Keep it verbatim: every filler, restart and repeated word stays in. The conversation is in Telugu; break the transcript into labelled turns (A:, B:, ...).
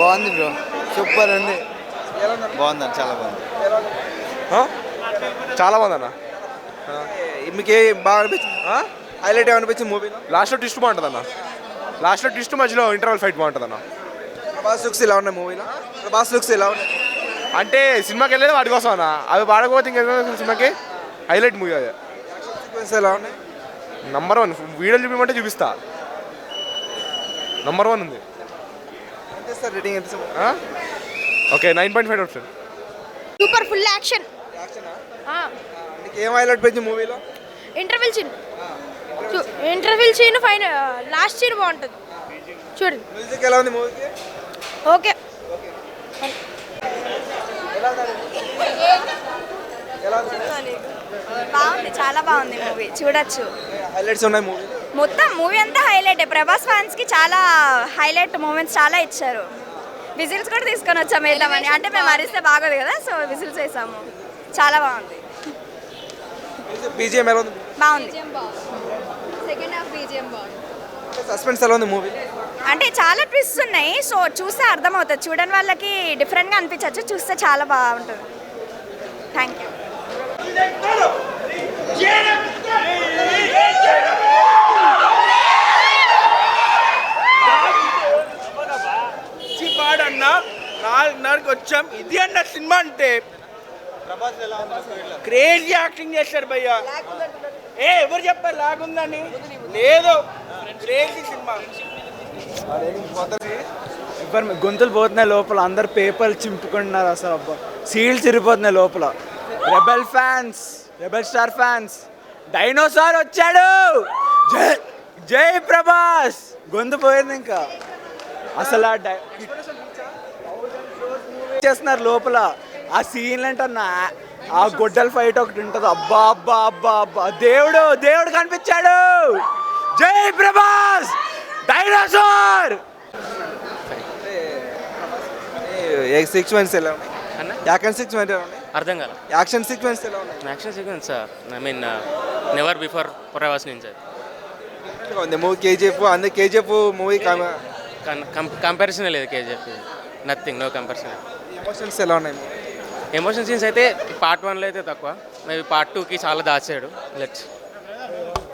A: బాగుంది బ్రో, సూపర్ ఉంది. బాగుంది, చాలా బాగుంది.
B: చాలా బాగుంది అన్న.
C: మీకు ఏ బాగా అనిపించింది, హైలైట్ ఏమనిపించింది మూవీలో?
B: లాస్ట్లో ట్విస్ట్ బాగుంటుంది అన్న. లాస్ట్లో ట్విస్ట్ మధ్యలో ఇంటర్వల్ ఫైట్ బాగుంటుంది అన్న.
C: ప్రభాస్ లుక్స్ ఎలా ఉన్నాయి మూవీలో? ప్రభాస్ లుక్స్ ఎలా ఉన్నాయి?
B: అంటే సినిమాకి వెళ్ళేది వాటి కోసం అన్న. అవి వాడకపోతే ఇంకా సినిమాకి హైలైట్ మూవీ అది.
C: సీక్వెన్స్ ఎలా ఉన్నాయి?
B: Number one. వీడియోలు చూపించమంటే చూపిస్తా. నంబర్ వన్ ఉంది.
C: ఎంత సార్ రేటింగ్? ఎంత
B: ఓకే, నైన్ పాయింట్ ఫైవ్ అవుతుంది.
D: Super, full action.
C: నీకు ఏం హైలైట్ పెంచి మూవీలో?
D: Interval scene, interval scene fine, last scene బాగుంటుంది చూడండి.
C: మ్యూజిక్ ఎలా ఉంది మూవీకి?
D: ఓకే.
E: బాగుంది, చాలా బాగుంది మూవీ, చూడొచ్చు.
C: హైలైట్స్ ఉన్నాయి మూవీ?
E: మొత్తం మూవీ అంతా హైలైట్. ప్రభాస్ ఫ్యాన్స్ కి చాలా హైలైట్ మూమెంట్స్ చాలా ఇచ్చారు. విజిల్స్ కూడా తీసుకొని వచ్చాము వేద్దామని, అంటే మేము అరిస్తే బాగోదు కదా, సో విజిల్స్ వేసాము. చాలా బాగుంది.
C: బీజిఎం ఎలా ఉంది?
E: బాగుంది. సెకండ్ హాఫ్ బీజిఎం బాగుంది.
C: సస్పెన్స్ ఎలా ఉంది మూవీ?
E: అంటే చాలా ట్విస్ట్ ఉన్నాయి, సో చూస్తే అర్థమవుతుంది. చూడని వాళ్ళకి డిఫరెంట్గా అనిపించవచ్చు, చూస్తే చాలా బాగుంటుంది. Thank you.
F: అన్న నాలుగున్నరకి వచ్చాం. ఇది అన్న సినిమా అంటే క్రేజీ యాక్టింగ్ చేశారు భయ్య. ఏ ఎవరు చెప్పారు లాగుందని? లేదు, క్రేజీ సినిమా.
A: ఎవరు గొంతులు పోతున్నాయి లోపల, అందరు పేపర్లు చింపుకుంటున్నారు. అసలు అబ్బా, సీల్స్ ఇరిపోతున్నాయి లోపల. Rebel fans, rebel star fans, dinosaur వచ్చాడు. జై జై ప్రభాస్. గొంతు పోయింది ఇంకా. అసలు ఆ డై చేస్తున్నారు లోపల. ఆ సీన్లు అంటే ఆ గొడ్డల ఫైట్ ఒకటి ఉంటుంది. అబ్బా అబ్బా అబ్బా అబ్బా, దేవుడు దేవుడు కనిపించాడు. జై ప్రభాస్, డైనోసార్.
C: సీక్వెన్స్ ఎలా ఉన్నాయి? యాక్షన్ సీక్వెన్స్ ఎలా ఉన్నాయి?
G: అర్థం కాదు.
C: యాక్షన్ సీక్వెన్స్ ఎలా ఉన్నాయి?
G: Action sequence I mean never before Prabhas నుంచి
C: ఉంది మూవీ. కేజీఎఫ్ అందరు కేజీఎఫ్ మూవీ
G: కంపారిజన్ లేదు. KGF nothing, no comparison.
C: Emotions ఎలా ఉన్నాయి?
G: ఎమోషన్ సీన్స్ అయితే పార్ట్ వన్లో అయితే తక్కువ, మేబీ పార్ట్ టూకి చాలా దాచాడు. లెట్స్